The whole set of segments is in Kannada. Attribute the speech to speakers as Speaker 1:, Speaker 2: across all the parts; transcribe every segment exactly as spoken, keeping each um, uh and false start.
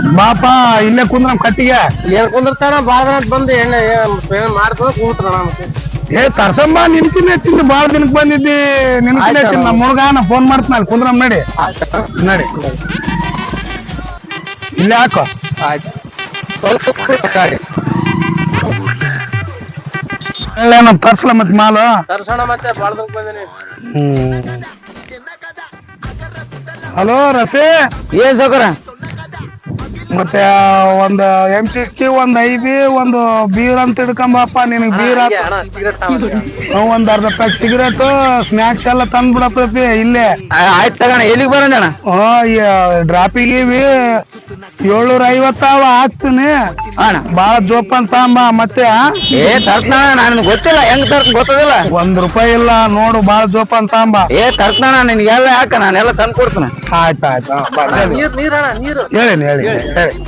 Speaker 1: ಬಾಪ ಇಲ್ಲೇ ಕುಂದ್ರ ಕಟ್ಟಿಗೆ
Speaker 2: ಏನ್ ಕುಂದಿರ್ತಾನ ಬಾಳ ದಿನ ಬಂದು ಎಣ್ಣೆ ಮಾಡ್ಕೊಂಡು ಕೂತ್ರಣ ಮತ್ತೆ
Speaker 1: ಏ ತರ್ಸಂಬ ನಿನ್ಕಿನ ಹೆಚ್ಚಿಂದ ಬಾಳ ದಿನಕ್ ಬಂದಿದ್ದಿ ನಿನ್ಕಿನ ಹೆಚ್ಚಿಂದ ನಮ್ಮ ಹುಡುಗ ನಾ ಫೋನ್ ಮಾಡ್ತೀನಿ ಕುಂದ್ರಮ್ ನಡಿ ನಡಿ ಇಲ್ಲೇ ಹಾಕೋ
Speaker 2: ಆಯ್ತು
Speaker 1: ಏನೋ ತರ್ಸಲ ಮತ್ ಮಾಲು
Speaker 2: ತರ್ಸೋಣ ಮತ್ತೆ ಬಾಳ ದಿನಕ್ ಬಂದಿನಿ.
Speaker 1: ಹ್ಮ್ ಹಲೋ ರಫಿ
Speaker 2: ಏನ್ ಸೌಕರ
Speaker 1: ಮತ್ತೆ ಒಂದ್ ಎಂ ಸಿಕ್ಸ್ಟಿ ಒಂದ್ ಐಬಿ ಒಂದು ಬೀರ್ ಅಂತ ಹಿಡ್ಕೊಂಬಪ್ಪ ನಿನಗ್ ಬೀರ್ ಒಂದ್ ಅರ್ಧ ಪ್ಯಾಕ್ ಸಿಗರೇಟ್ ಸ್ನಾಕ್ಸ್ ಎಲ್ಲ ತಂದ್ ಬಿಡಪ್ಪ ಇಲ್ಲೇ.
Speaker 2: ಆಯ್ತು ತಗೋಣ ಎಲ್ಲಿಗೆ ಬರೋಣ
Speaker 1: ಡ್ರಾಪಿಗೆ ಏಳ್ನೂರ ಐವತ್ತಾವ ಹಾಕ್ತೀನಿ ಬಾಳ ಜೋಪಾನ್ ತಾಂಬ ಮತ್ತೆ
Speaker 2: ಏ ತರ್ತಾನ ನನ್ ಗೊತ್ತಿಲ್ಲ ಹೆಂಗ್ ತರ್ತ ಗೊತ್ತದಿಲ್ಲ
Speaker 1: ಒಂದ್ ರೂಪಾಯಿ ಇಲ್ಲ ನೋಡು ಬಾಳ ಜೋಪಾನ್ ತಾಂಬ.
Speaker 2: ಏ ತರ್ತಾನ ನಿನ್ಗೆಲ್ಲ ಯಾಕ ನಾನೆಲ್ಲ ತಂದ್ ಕೊಡ್ತೀನಿ.
Speaker 1: ಆಯ್ತು ಆಯ್ತು ಹೇಳಿ ಹೇಳಿ ಹೇಳಿ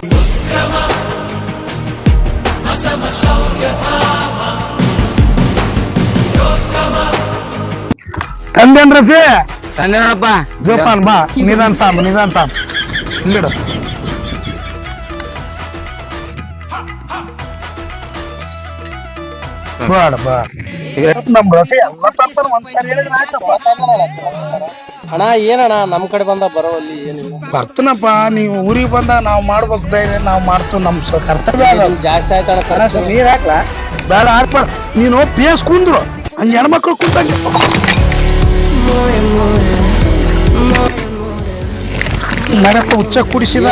Speaker 1: ತಂದೇನ್ ರಫಿ
Speaker 2: ತಂದೆ ನೋಡಪ್ಪ
Speaker 1: ಜೋಪಾನ್ ಬಾ ನಿಧಾನ್ ತಾಂಬ ನಿಧಾನ್ ತಾಂಬ ಇಲ್ಲಿಡು ಬಾಡ ಬಾ ನಮ್ ರಫಿ
Speaker 2: ಅಣ್ಣ ಏನಣ್ಣ ನಮ್ ಕಡೆ ಬಂದ ಬರೋಲ್ಲಿ ಏನಿಲ್ಲ
Speaker 1: ಬರ್ತನಪ್ಪ ನೀವು ಊರಿಗೆ ಬಂದ ನಾವ್ ಮಾಡ್ಬೇಕು ಧೈರ್ಯ ನಾವ್ ಮಾಡ್ತೀವಿ ನಮ್ ಕರ್ತವ್ಯ
Speaker 2: ಜಾಸ್ತಿ ಆಯ್ತಣ್ಣ
Speaker 1: ನೀರ್ ಹಾಕ್ಲಾ ಬೇಡ ಹಾಕ್ಬೇಡ ನೀನು ಪೇಸ್ ಕುಂದ್ರು ಹಂಗ ಹೆಣ್ಮಕ್ಳು ಕುಂತಂಗೆ ನಡಪ್ಪ ಹುಚ್ಚ ಕುಡಿಸಿದ